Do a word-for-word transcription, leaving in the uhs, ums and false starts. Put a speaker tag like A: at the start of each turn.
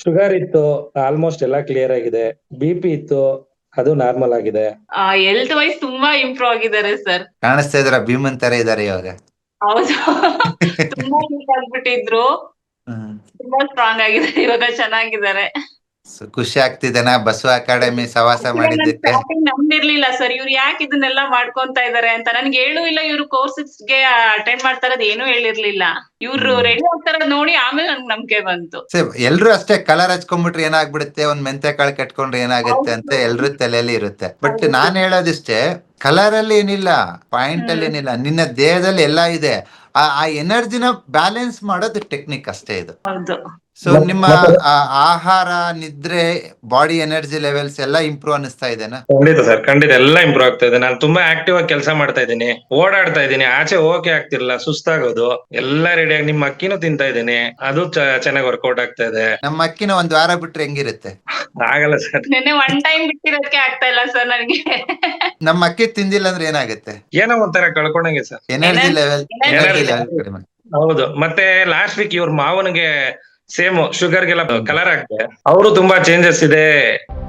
A: Sugar ಇತ್ತು, almost ಎಲ್ಲ clear ಆಗಿದೆ. ಬಿ ಪಿ ಇತ್ತು, ಅದು ನಾರ್ಮಲ್ ಆಗಿದೆ.
B: ಹೆಲ್ತ್ ವೈಸ್ ತುಂಬಾ ಇಂಪ್ರೂವ್ ಆಗಿದ್ದಾರೆ ಸರ್.
C: ಕಾಣಿಸ್ತಾ ಇದ್ರ ಭೀಮನ್ ತರ ಇದಾರೆ ಇವಾಗ.
B: ಹೌದು ತುಂಬಾ ವೀಕ್ ಆಗ್ಬಿಟ್ಟಿದ್ರು,
C: ಹ್ಮ್
B: ತುಂಬಾ ಸ್ಟ್ರಾಂಗ್ ಆಗಿದ್ದಾರೆ ಇವಾಗ, ಚೆನ್ನಾಗಿದ್ದಾರೆ.
C: ಸೊ ಖುಷಿ ಆಗ್ತಿದೆನಾ ಬಸವ ಅಕಾಡೆಮಿ ಸವಾಸ ಮಾಡಿದ್ದಕ್ಕೆ?
B: ಸ್ಟಾರ್ಟಿಂಗ್ ನಂಬಿರ್ಲಿಲ್ಲ ಸರ್, ಇವ್ರು ಯಾಕೆ ಇದನ್ನೆಲ್ಲ ಮಾಡ್ಕೊಂತ ಇದಾರೆ ಅಂತ. ನನ್ಗೆ ಹೇಳು ಇಲ್ಲ ಇವ್ರು ಕೋರ್ಸಸ್ಗೆ ಅಟೆಂಡ್ ಮಾಡ್ತಾ ಇರೋದು ಏನೂ ಹೇಳಿರ್ಲಿಲ್ಲ. ಇವ್ರು
C: ಹ್ಮ್.
B: ರೆಡಿ ಆಗ್ತಾರದ್ ನೋಡಿ ಆಮೇಲೆ ನನ್ಗೆ ನಂಬಿಕೆ ಬಂತು.
C: ಎಲ್ರು ಅಷ್ಟೇ, ಕಲರ್ ಹಚ್ಕೊಂಡ್ಬಿಟ್ರೆ ಏನಾಗ್ಬಿಡುತ್ತೆ, ಒಂದ್ ಮೆಂತೆ ಕಾಳು ಕಟ್ಕೊಂಡ್ರೆ ಏನಾಗುತ್ತೆ ಅಂತ ಎಲ್ರು ತಲೆಯಲ್ಲಿ ಇರುತ್ತೆ. ಬಟ್ ನಾನ್ ಹೇಳೋದಿಷ್ಟೇ, ಕಲರ್ ಅಲ್ಲಿ ಏನಿಲ್ಲ, ಪಾಯಿಂಟ್ ಅಲ್ಲಿ ಏನಿಲ್ಲ, ನಿನ್ನ ದೇಹದಲ್ಲಿ ಎಲ್ಲಾ ಇದೆ. ಆ ಆ ಎನರ್ಜಿನ ಬ್ಯಾಲೆನ್ಸ್ ಮಾಡೋದು ಟೆಕ್ನಿಕ್ ಅಷ್ಟೇ ಇದು.
B: ಹೌದು.
C: ಸೊ ನಿಮ್ಮ ಆ, ಆಹಾರ, ನಿದ್ರೆ, ಬಾಡಿ ಎನರ್ಜಿ ಲೆವೆಲ್ಸ್ ಎಲ್ಲ ಇಂಪ್ರೂವ್ ಅನಿಸ್ತಾ ಇದೆನಾ?
A: ಖಂಡಿತ ಸರ್, ಖಂಡಿತ ಎಲ್ಲ ಇಂಪ್ರೂವ್ ಆಗ್ತಾ ಇದೆ. ನಾನು ತುಂಬಾ ಆಕ್ಟಿವ್ ಆಗಿ ಕೆಲಸ ಮಾಡ್ತಾ ಇದ್ದೀನಿ, ಓಡಾಡ್ತಾ ಇದ್ದೀನಿ, ಆಚೆ ಹೋಗಕ್ಕೆ ಆಗ್ತಿರ್ಲಿಲ್ಲ, ಸುಸ್ತಾಗೋದು. ಎಲ್ಲ ರೆಡಿಯಾಗಿ ನಿಮ್ಮ ಅಕ್ಕಿನೂ ತಿಂತಾ ಇದ್ದೀನಿ, ಅದು ಚೆನ್ನಾಗಿ ವರ್ಕೌಟ್ ಆಗ್ತಾ ಇದೆ.
C: ನಮ್ಮ ಅಕ್ಕಿನ ಒಂದ್ ವಾರ ಬಿಟ್ರೆ ಹೆಂಗಿರುತ್ತೆ?
A: ಆಗಲ್ಲ ಸರ್.
B: ನೆನ್ನೆ ಒನ್ ಟೈಮ್ ಬಿಟ್ಟಿರೋದಕ್ಕೆ ಆಗ್ತಾ ಇಲ್ಲ ಸರ್ ನನಗೆ.
C: ನಮ್ಮ ಅಕ್ಕಿ ತಿಂದಿಲ್ಲ ಅಂದ್ರೆ ಏನಾಗುತ್ತೆ?
A: ಏನೋ ಒಂಥರ ಕಳ್ಕೊಂಡಂಗೆ sir,
C: energy level energy
B: Energy
C: level ಕಡಿಮೆ.
A: ಹೌದು. ಮತ್ತೆ ಲಾಸ್ಟ್ ವೀಕ್ ಇವ್ರ ಮಾವನಿಗೆ ಸೇಮ್ ಶುಗರ್ಗೆಲ್ಲ ಕಲರ್ ಆಗ್ತದೆ, ಅವರು ತುಂಬಾ ಚೇಂಜಸ್ ಇದೆ.